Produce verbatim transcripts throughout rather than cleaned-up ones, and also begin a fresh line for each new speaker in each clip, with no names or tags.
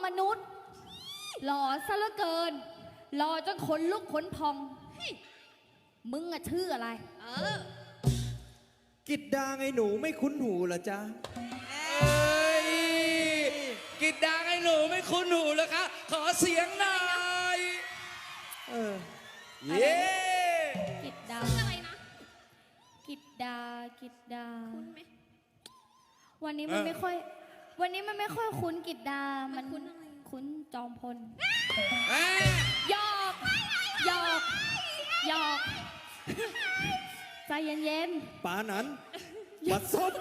มนุษย์หล่อซะเหลือเกินหล่อจนขนลุกขนพองมึงอะชื่ออะไรเออ
กิดดาไงหนูไม่คุ้นหูเหรอจ๊ะ
เอ้ยกิดดาไงหนูไม่คุ้นหูเหรอคะขอเสียงหน่อย
เออ
เย้
กิดดาอะไรนะกิดดากิดดาคุ้นไหมวันนี้มันไม่ค่อยวันนี้มันไม่ค่อยคุ้นกิดดามันคุ้นอะไรคุ้นจอมพลหยอกหยอกหยอกใจเย็น
ๆป่านั้นบัดซบ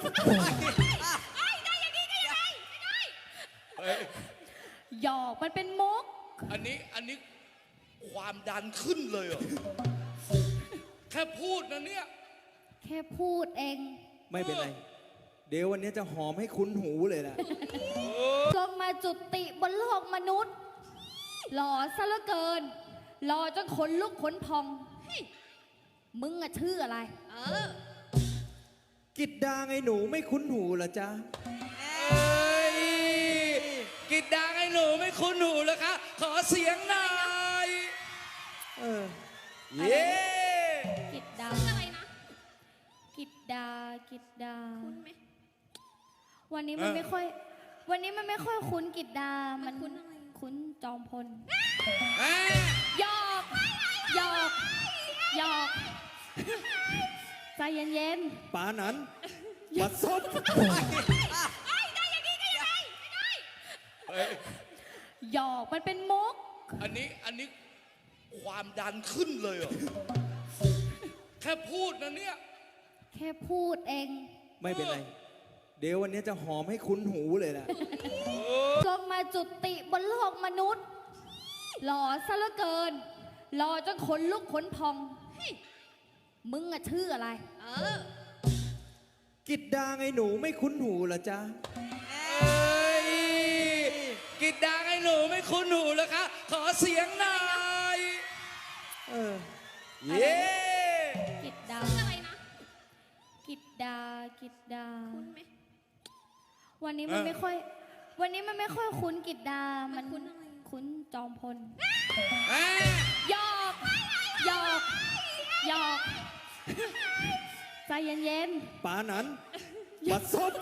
หยอกมันเป็นมุก
อันนี้อันนี้ความดันขึ้นเลยเหรอแค่พูดนะเนี่ย
แค่พูดเอง
ไม่เป็นไรเดี๋ยววันนี้จะหอมให้คุ้นหูเลยแหละ
ลงมาจุติบนโลกมนุษย์หล่อซะเหลือเกินหล่อจนขนลุกขนพองมึงอะชื่ออะไรเออ
กิดดาไงหนูไม่คุ้นหูเหรอจ๊ะ
เอ้ยกิดดาไงหนูไม่คุ้นหูเหรอคะขอเสียงหน่อย
เออ
เย้
กิดดาอะไรนะกิดดากิดดาคุ้นไหมวันนี้มันไม่ค่อยวันนี้มันไม่ค่อยคุ้นกิดดามันคุ้นอะไรคุ้นจอมพลหยอกหยอกหยอกใจเย็น
ๆป่านั้นบัดซบ
หยอกมันเป็นมุก
อันนี้อันนี้ความดันขึ้นเลยเหรอแค่พูดนะเนี่ย
แค่พูดเอง
ไม่เป็นไรเดี๋ยววันนี้จะหอมให้คุ้นหูเลยแหละ
ลงมาจุติบนโลกมนุษย์หล่อซะเหลือเกินหล่อจนขนลุกขนพองมึงอะชื่ออะไรเออ
กิดดาไงหนูไม่คุ้นหูเหรอจ๊ะ
เอ้ยกิดดาไงหนูไม่คุ้นหูเหรอคะขอเสียงหน่อย
เออ
เย้
กิดดาอะไรนะกิดดากิดดาคุ้นไหมวันนี้มันไม่ค่อยวันนี้มันไม่ค่อยคุ้นกิดดามันคุ้นอะไรคุ้นจอมพลหยอกหยอกหยอกใจเย็น
ๆป่านั้นบัดซบ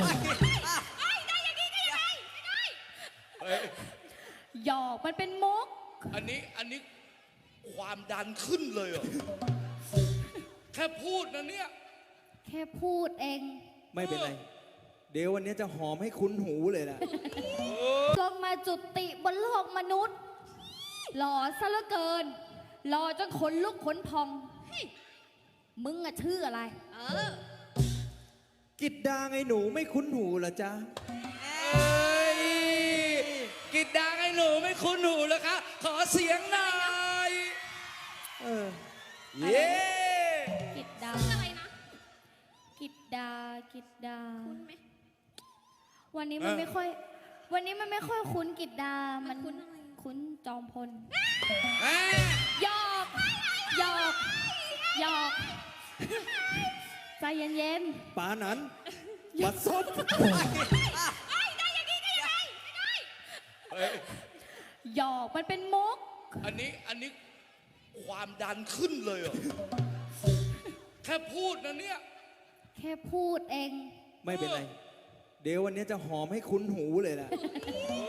หยอกมันเป็นมุก
อันนี้อันนี้ความดันขึ้นเลยเหรอแค่พูดนะเนี่ย
แค่พูดเอง
ไม่เป็นไรเดี๋ยววันนี้จะหอมให้คุ้นหูเลยแหละ
ลงมาจุติบนโลกมนุษย์หล่อซะเหลือเกินหล่อจนขนลุกขนพองมึงอะชื่ออะไรเออ
กิดดาไงหนูไม่คุ้นหูเหรอจ๊ะ
เอ้ยกิดดาไงหนูไม่คุ้นหูเหรอคะขอเสียงหน่อย
เออ
เย้
กิดดาอะไรนะกิดดากิดดาคุ้นไหมวันนี้มันไม่ค่อยวันนี้มันไม่ค่อยคุ้นกิดดามันคุ้นอะไรคุ้นจอมพลหยอกหยอกหยอกใจเย็น
ๆป่านั้นบัดซบ
หยอกมันเป็นมุก
อันนี้อันนี้ความดันขึ้นเลยเหรอแค่พูดนะเนี่ย
แค่พูดเอง
ไม่เป็นไรเดี๋ยววันนี้จะหอมให้คุ้นหูเลยแหละ